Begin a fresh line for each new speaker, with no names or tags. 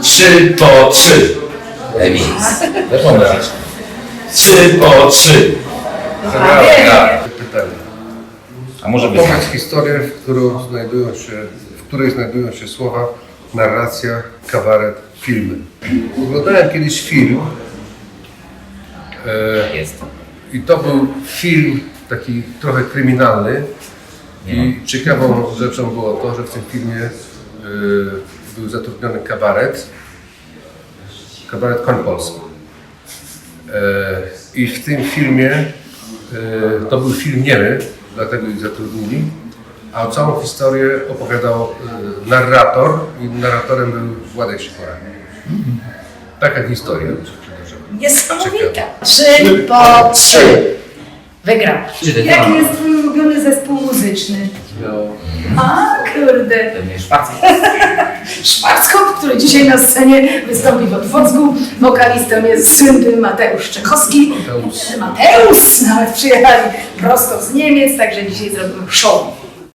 3 po 3.
Remis.
Zapomnieć. 3 po 3.
Pytanie.
A może być.
Opowiedz historię, w której znajdują się słowa narracja, kabaret, filmy. Oglądałem kiedyś film
Jest.
i to był film taki trochę kryminalny i ciekawą rzeczą było to, że w tym filmie był zatrudniony kabaret Koń Polski. I w tym filmie, to był film niemy, dlatego ich zatrudnili, a całą historię opowiadał narrator i narratorem był Władek Sikora. Taka historia.
Niesamowita. 3 po 3. Wygrał.
Jaki jest twój ulubiony zespół muzyczny?
No,
A kurde.
Pewnie Szwarc.
Szwarckop, który dzisiaj na scenie wystąpi w Otwocku. Wokalistą jest słynny Mateusz Czechowski. Mateusz! Nawet przyjechali prosto z Niemiec, także dzisiaj zrobimy show.